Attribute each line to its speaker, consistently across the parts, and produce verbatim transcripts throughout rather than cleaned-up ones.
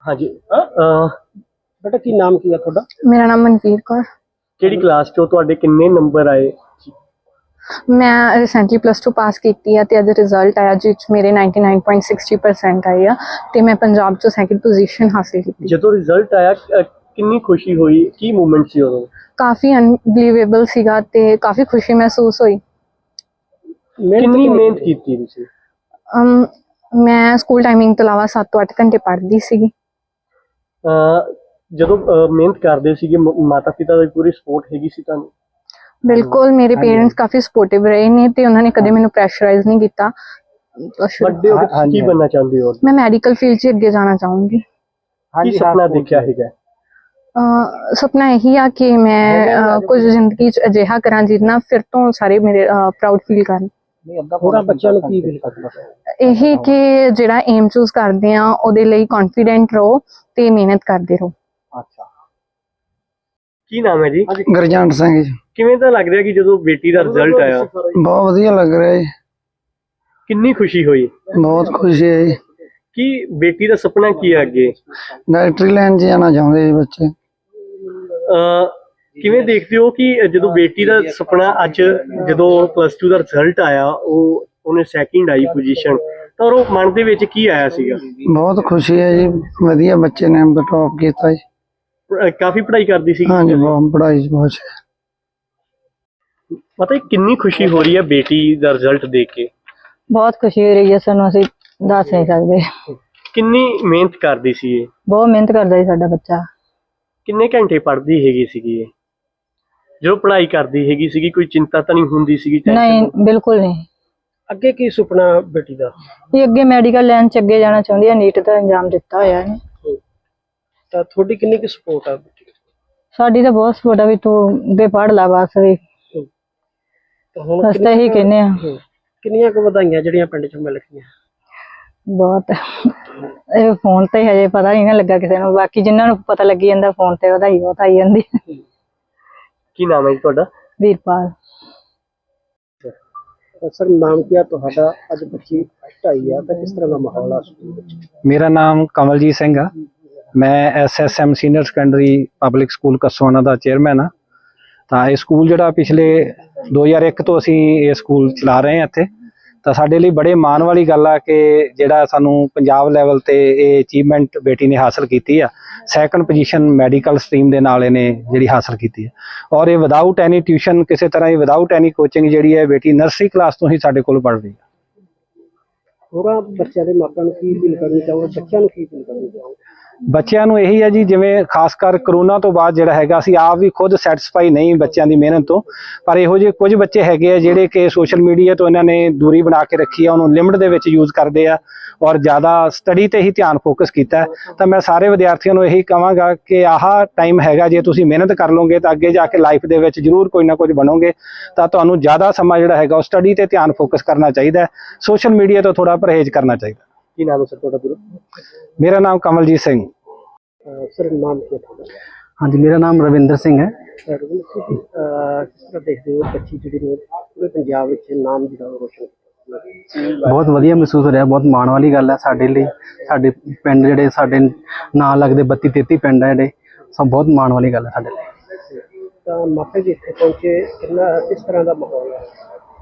Speaker 1: हाँ जी। बेटा की नाम की है थोड़ा?
Speaker 2: मेरा नाम मनवीर कौर।
Speaker 1: ਕਿਹੜੀ ਕਲਾਸ ਚੋਂ ਤੁਹਾਡੇ ਕਿੰਨੇ ਨੰਬਰ ਆਏ?
Speaker 2: मैं रिसेंटली प्लस टू पास की है ते अज रिजल्ट आया जिस मेरे ninety nine point sixty percent आए आ ते मैं पंजाब चो सैकंड पोजीशन हासिल की।
Speaker 1: ਜਦੋਂ ਰਿਜ਼ਲਟ ਆਇਆ ਅ, ਕਿੰਨੀ ਖੁਸ਼ੀ ਹੋਈ, ਕੀ ਮੂਵਮੈਂਟ ਸੀ ਉਦੋਂ?
Speaker 2: काफ़ी अनबिलीवेबल सीगा ते काफ़ी खुशी महसूस हुई।
Speaker 1: ਕਿੰਨੀ ਮਿਹਨਤ ਕੀਤੀ ਤੁਸੀਂ?
Speaker 2: um, मैं स्कूल टाइमिंग तो अलावा सत्त तो अठ घंटे पढ़ती सी।
Speaker 1: ਅ, ਜਦੋਂ ਅ, ਮਿਹਨਤ ਕਰਦੇ ਸੀਗੇ ਮਾਤਾ ਪਿਤਾ ਦੀ ਪੂਰੀ ਸਪੋਰਟ ਹੈਗੀ ਸੀ ਤੁਹਾਨੂੰ?
Speaker 2: बिल्कुल मेरे पेरेंट्स काफ़ी सपोर्टिव रहे ने ते उन्होंने कदे मैनू प्रैशराइज नहीं किया।
Speaker 1: ਵੱਡੇ ਹੋ ਕੇ ਤੁਸੀਂ ਕੀ बनना ਚਾਹੁੰਦੇ ਹੋ?
Speaker 2: मैं मैडिकल फील्ड च अगे जाना चाहूँगी।
Speaker 1: ਕੀ ਸੁਪਨਾ ਦੇਖਿਆ ਹੈਗਾ?
Speaker 2: ਅਹ ਸੁਪਨਾ ਇਹੀ ਆ ਕਿ ਮੈਂ ਅਹ ਕੁਝ ਜ਼ਿੰਦਗੀ 'ਚ ਅਜਿਹਾ ਕਰਾਂ ਜਿਹਦੇ ਨਾਲ ਫਿਰ ਤੋਂ ਸਾਰੇ ਮੇਰੇ ਪ੍ਰਾਊਡ ਫੀਲ ਕਰਨ।
Speaker 1: ਹੋਰਾਂ ਬੱਚਿਆਂ ਨੂੰ ਕੀ ਫੀਲ ਕਰਨਾ?
Speaker 2: ਇਹੀ ਕਿ ਜਿਹੜਾ ਏਮ ਚੂਜ਼ ਕਰਦੇ ਆ ਉਹਦੇ ਲਈ ਕੌਨਫੀਡੈਂਟ ਰਹੋ ਤੇ ਮਿਹਨਤ ਕਰਦੇ ਰਹੋ।
Speaker 1: ਅੱਛਾ, ਕੀ ਨਾਮ ਹੈ ਜੀ?
Speaker 3: ਗੁਰਜੰਟ ਸਿੰਘ ਜੀ।
Speaker 1: ਕਿਵੇਂ ਦਾ ਲੱਗ ਰਿਹਾ ਕਿ ਜਦੋਂ ਬੇਟੀ ਦਾ ਰਿਜ਼ਲਟ ਆਇਆ?
Speaker 3: ਬਹੁਤ ਵਧੀਆ ਲੱਗ ਰਿਹਾ ਜੀ।
Speaker 1: ਕਿੰਨੀ ਖੁਸ਼ੀ ਹੋਈ?
Speaker 3: ਬਹੁਤ ਖੁਸ਼ੀ ਹੈ ਜੀ।
Speaker 1: ਕੀ ਬੇਟੀ ਦਾ ਸੁਪਨਾ ਕੀ ਹੈ ਅੱਗੇ?
Speaker 3: ਡਾਇਰੈਕਟਰੀ ਲਾਈਨ 'ਚ ਜਾਣਾ ਚਾਹੁੰਦੇ ਜੀ ਬੱਚੇ।
Speaker 1: ਅਹ ਕਿਵੇਂ ਦੇਖਦੇ ਹੋ ਕਿ ਜਦੋਂ ਬੇਟੀ ਦਾ ਸੁਪਨਾ ਅੱਜ ਜਦੋਂ ਪਲੱਸ ਟੂ ਦਾ ਰਿਜ਼ਲਟ ਆਇਆ ਉਹ ਉਹਨੇ ਸੈਕਿੰਡ ਆਈ ਪੋਜੀਸ਼ਨ ਤਾਂ ਉਹ ਮਨ ਦੇ ਵਿੱਚ ਕੀ ਆਇਆ ਸੀਗਾ?
Speaker 3: ਬਹੁਤ ਖੁਸ਼ੀ ਹੈ ਜੀ, ਵਧੀਆ ਬੱਚੇ ਨੇ ਟੌਪ ਕੀਤਾ ਜੀ।
Speaker 1: ਅਹ ਕਾਫੀ ਪੜ੍ਹਾਈ ਕਰਦੀ ਸੀ?
Speaker 3: ਹਾਂਜੀ, ਬਹੁਤ ਪੜ੍ਹਾਈ 'ਚ ਬਹੁਤ ਹੈ।
Speaker 1: ਪਤਾ ਕਿੰਨੀ ਖੁਸ਼ੀ ਹੋ ਰਹੀ ਹੈ ਬੇਟੀ ਦਾ ਰਿਜ਼ਲਟ ਦੇਖ ਕੇ?
Speaker 4: बहुत खुशी हो रही है, सानू असीं दस नहीं सकते।
Speaker 1: ਕਿੰਨੀ ਮਿਹਨਤ ਕਰਦੀ ਸੀ ਇਹ?
Speaker 4: बहुत मेहनत करता जी साडा बच्चा।
Speaker 1: ਕਿੰਨੇ ਘੰਟੇ ਪੜ੍ਹਦੀ ਹੈਗੀ ਸੀਗੀ ਇਹ? ਜਦੋਂ ਪੜ੍ਹਾਈ ਕਰਦੀ ਹੈਗੀ ਸੀਗੀ ਕੋਈ ਚਿੰਤਾ ਤਾਂ ਨਹੀਂ ਹੁੰਦੀ ਸੀਗੀ?
Speaker 4: नहीं बिल्कुल नहीं।
Speaker 1: ਅੱਗੇ ਕੀ ਸੁਪਨਾ ਬੇਟੀ ਦਾ?
Speaker 4: ये अगे मेडिकल लाइन च अगे जाना चाहती है, नीट का एग्जाम दिता होया है।
Speaker 1: ਤਾਂ ਤੁਹਾਡੀ ਕਿੰਨੀ ਕੁ ਸਪੋਰਟ ਆ ਬੇਟੀ?
Speaker 4: साडी तो बहुत सपोर्ट है भी तू अगे पढ़ ला बस भी।
Speaker 1: ਤਾਂ ਹੁਣ
Speaker 4: अस तो यही कहने आ।
Speaker 1: ਕਿੰਨੀਆਂ ਕੁ ਵਧਾਈਆਂ ਜਿਹੜੀਆਂ ਪਿੰਡ ਚ ਮਿਲ ਗਈਆਂ?
Speaker 4: बहुत ਇਹ फोन ते हजे पता नहीं ना लगा किसी ਨੂੰ, बाकी जिन्हां ਨੂੰ पता लगी ਜਾਂਦਾ फोन ते ਵਧਾਈ ਬਹੁਤ ਆਈ ਜਾਂਦੀ।
Speaker 1: ਕੀ ਨਾਮ ਹੈ ਜੀ ਤੁਹਾਡਾ?
Speaker 4: ਵੀਰਪਾਲ।
Speaker 1: ਸਰ ਨਾਮ ਕੀ ਹੈ ਤੁਹਾਡਾ? ਅੱਜ ਬੱਚੀ ਫਸਟ ਆਈ ਆ ਤਾਂ ਕਿਸ ਤਰ੍ਹਾਂ ਦਾ ਮਾਹੌਲ ਆ ਸਕੂਲ ਵਿੱਚ?
Speaker 5: ਮੇਰਾ ਨਾਮ ਕਮਲਜੀਤ ਸਿੰਘ ਆ। ਮੈਂ S S M senior secondary public school Kaswana ਦਾ ਚੇਅਰਮੈਨ ਆ। ਤਾਂ ਇਹ ਸਕੂਲ ਜਿਹੜਾ ਪਿਛਲੇ ਦੋ ਹਜ਼ਾਰ ਇੱਕ ਤੋਂ ਅਸੀਂ ਇਹ ਸਕੂਲ ਚਲਾ ਰਹੇ ਹਾਂ ਇੱਥੇ, ਤਾਂ ਸਾਡੇ ਲਈ ਬੜੇ ਮਾਣ ਵਾਲੀ ਗੱਲ ਆ ਕਿ ਜਿਹੜਾ ਸਾਨੂੰ ਪੰਜਾਬ ਲੈਵਲ ਤੇ ਇਹ ਅਚੀਵਮੈਂਟ ਬੇਟੀ ਨੇ ਹਾਸਲ ਕੀਤੀ ਆ। ਸੈਕੰਡ ਪੋਜੀਸ਼ਨ ਮੈਡੀਕਲ ਸਟਰੀਮ ਦੇ ਨਾਲ ਇਹਨੇ ਜਿਹੜੀ ਹਾਸਲ ਕੀਤੀ ਹੈ, ਔਰ ਇਹ ਵਿਦਆਊਟ ਐਨੀ ਟਿਊਸ਼ਨ, ਕਿਸੇ ਤਰ੍ਹਾਂ ਦੀ ਵਿਦਆਊਟ ਐਨੀ ਕੋਚਿੰਗ ਜਿਹੜੀ ਹੈ ਬੇਟੀ ਨਰਸਰੀ ਕਲਾਸ ਤੋਂ ਹੀ ਸਾਡੇ ਕੋਲ ਪੜ੍ਹ ਰਹੀ ਹੈ।
Speaker 1: ਹੋਰਾਂ ਬੱਚਿਆਂ ਦੇ ਮਾਪਿਆਂ ਨੂੰ ਕੀ ਫੀਲ ਕਰਨੀ ਚਾਹੋਗੇ? ਬੱਚਿਆਂ ਨੂੰ ਕੀ ਫੀਲ ਕਰਨੀ ਚਾਹੋਗੇ?
Speaker 5: ਬੱਚਿਆਂ ਨੂੰ ਇਹੀ ਹੈ ਜੀ, ਜਿਵੇਂ ਖਾਸ ਕਰ ਕਰੋਨਾ ਤੋਂ ਬਾਅਦ ਜਿਹੜਾ ਹੈਗਾ ਅਸੀਂ ਆਪ ਵੀ ਖੁਦ ਸੈਟੀਸਫਾਈ ਨਹੀਂ ਬੱਚਿਆਂ ਦੀ ਮਿਹਨਤ ਤੋਂ, ਪਰ ਇਹੋ ਜਿਹੇ ਕੁਝ ਬੱਚੇ ਹੈਗੇ ਆ ਜਿਹੜੇ ਕਿ ਸੋਸ਼ਲ ਮੀਡੀਆ ਤੋਂ ਇਹਨਾਂ ਨੇ ਦੂਰੀ ਬਣਾ ਕੇ ਰੱਖੀ ਆ, ਉਹਨੂੰ ਲਿਮਟ ਦੇ ਵਿੱਚ ਯੂਜ਼ ਕਰਦੇ ਆ ਔਰ ਜ਼ਿਆਦਾ ਸਟੱਡੀ ਤੇ ਹੀ ਧਿਆਨ ਫੋਕਸ ਕੀਤਾ। ਤਾਂ ਮੈਂ ਸਾਰੇ ਵਿਦਿਆਰਥੀਆਂ ਨੂੰ ਇਹੀ ਕਹਾਂਗਾ ਕਿ ਆਹ ਟਾਈਮ ਹੈਗਾ, ਜੇ ਤੁਸੀਂ ਮਿਹਨਤ ਕਰ ਲਓਗੇ ਤਾਂ ਅੱਗੇ ਜਾ ਕੇ ਲਾਈਫ ਦੇ ਵਿੱਚ ਜ਼ਰੂਰ ਕੋਈ ਨਾ ਕੁਝ ਬਣੋਗੇ। ਤਾਂ ਤੁਹਾਨੂੰ ਜ਼ਿਆਦਾ ਸਮਾਂ ਜਿਹੜਾ ਹੈਗਾ ਉਹ ਸਟੱਡੀ ਤੇ ਧਿਆਨ ਫੋਕਸ ਕਰਨਾ ਚਾਹੀਦਾ, ਸੋਸ਼ਲ ਮੀਡੀਆ ਤੋਂ ਥੋੜਾ ਪਰਹੇਜ਼ ਕਰਨਾ ਚਾਹੀਦਾ।
Speaker 1: ਕੀ ਨਾਮ ਹੈ ਸਰ ਤੁਹਾਡਾ ਗੁਰੂ?
Speaker 5: ਮੇਰਾ ਨਾਮ ਕਮਲਜੀਤ ਸਿੰਘ।
Speaker 1: ਸਰ ਨਾਮ ਕੀ ਹੈ ਤੁਹਾਡਾ?
Speaker 3: हाँ जी, मेरा नाम रविंदर सिंह है।
Speaker 1: ਰਵਿੰਦਰ ਸਿੰਘ ਜੀ, ਅਹ ਕਿਸ ਤਰ੍ਹਾਂ ਦੇਖਦੇ ਹੋ ਬੱਚੀ ਜਿਹੜੀ ਨੇ ਪੂਰੇ ਪੰਜਾਬ ਵਿੱਚ ਨਾਮ ਜਿਹੜਾ ਰੋਸ਼ਨ ਕੀਤਾ?
Speaker 3: ਬਹੁਤ ਵਧੀਆ ਮਹਿਸੂਸ ਹੋ ਰਿਹਾ, ਬਹੁਤ ਮਾਣ ਵਾਲੀ ਗੱਲ ਹੈ ਸਾਡੇ ਲਈ। ਸਾਡੇ ਪਿੰਡ ਜਿਹੜੇ ਸਾਡੇ ਨਾਲ ਲੱਗਦੇ ਬੱਤੀ ਤੇਤੀ ਪਿੰਡ ਹੈ ਜਿਹੜੇ, ਸਭ ਬਹੁਤ ਮਾਣ ਵਾਲੀ ਗੱਲ ਹੈ ਸਾਡੇ ਲਈ।
Speaker 1: ਤਾਂ ਮਾਪੇ ਵੀ ਇੱਥੇ ਪਹੁੰਚੇ, ਕਿੰਨਾ ਕਿਸ ਤਰ੍ਹਾਂ ਦਾ ਮਾਹੌਲ ਹੈ?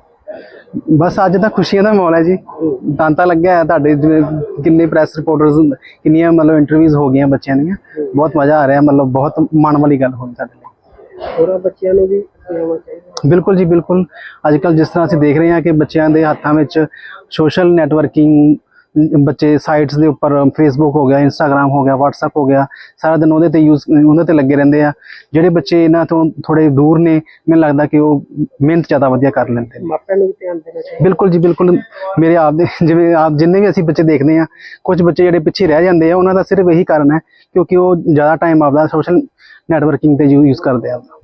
Speaker 3: ਬਸ ਅੱਜ ਤਾਂ ਖੁਸ਼ੀਆਂ ਦਾ ਮਾਹੌਲ ਹੈ ਜੀ। ਤਾਂਤਾ ਲੱਗਿਆ ਹੈ ਤੁਹਾਡੇ, ਜਿਵੇਂ ਕਿੰਨੇ ਪ੍ਰੈਸ ਰਿਪੋਰਟਰਸ, ਕਿੰਨੀਆਂ ਮਤਲਬ ਇੰਟਰਵਿਊਜ਼ ਹੋ ਗਈਆਂ ਬੱਚਿਆਂ ਦੀਆਂ। ਬਹੁਤ ਮਜ਼ਾ ਆ ਰਿਹਾ, ਮਤਲਬ ਬਹੁਤ ਮਾਣ ਵਾਲੀ ਗੱਲ ਹੋਈ ਸਾਡੇ ਲਈ।
Speaker 1: ਹੋਰਾਂ ਬੱਚਿਆਂ ਨੂੰ ਵੀ ਆਉਣਾ ਚਾਹੀਦਾ?
Speaker 3: ਬਿਲਕੁਲ ਜੀ, ਬਿਲਕੁਲ। ਅੱਜ ਕੱਲ੍ਹ ਜਿਸ ਤਰ੍ਹਾਂ ਅਸੀਂ ਦੇਖ ਰਹੇ ਹਾਂ ਕਿ ਬੱਚਿਆਂ ਦੇ ਹੱਥਾਂ ਵਿੱਚ ਸੋਸ਼ਲ ਨੈਟਵਰਕਿੰਗ, ਬੱਚੇ ਸਾਈਟਸ ਦੇ ਉੱਪਰ ਫੇਸਬੁੱਕ ਹੋ ਗਿਆ, ਇੰਸਟਾਗ੍ਰਾਮ ਹੋ ਗਿਆ, ਵਟਸਐਪ ਹੋ ਗਿਆ, ਸਾਰਾ ਦਿਨ ਉਹਦੇ ਤੇ ਯੂਜ਼ ਉਹਦੇ ਤੇ ਲੱਗੇ ਰਹਿੰਦੇ ਆ। ਜਿਹੜੇ ਬੱਚੇ ਇਹਨਾਂ ਤੋਂ ਥੋੜੇ ਦੂਰ ਨੇ, ਮੈਨੂੰ ਲੱਗਦਾ ਕਿ ਉਹ ਮਿਹਨਤ ਜ਼ਿਆਦਾ ਵਧੀਆ ਕਰ ਲੈਂਦੇ ਨੇ।
Speaker 1: ਮਾਪਿਆਂ ਨੂੰ ਵੀ ਧਿਆਨ ਦੇਣਾ ਚਾਹੀਦਾ?
Speaker 3: ਬਿਲਕੁਲ ਜੀ, ਬਿਲਕੁਲ। ਮੇਰੇ ਆਪ ਦੇ ਜਿਵੇਂ ਆਪ ਜਿੰਨੇ ਵੀ ਅਸੀਂ ਬੱਚੇ ਦੇਖਦੇ ਹਾਂ, ਕੁਝ ਬੱਚੇ ਜਿਹੜੇ ਪਿੱਛੇ ਰਹਿ ਜਾਂਦੇ ਆ, ਉਹਨਾਂ ਦਾ ਸਿਰਫ ਇਹੀ ਕਾਰਨ ਹੈ ਕਿਉਂਕਿ ਉਹ ਜ਼ਿਆਦਾ ਟਾਈਮ ਆਪਦਾ ਸੋਸ਼ਲ ਨੈਟਵਰਕਿੰਗ ਤੇ ਯੂਜ਼ ਕਰਦੇ ਆ।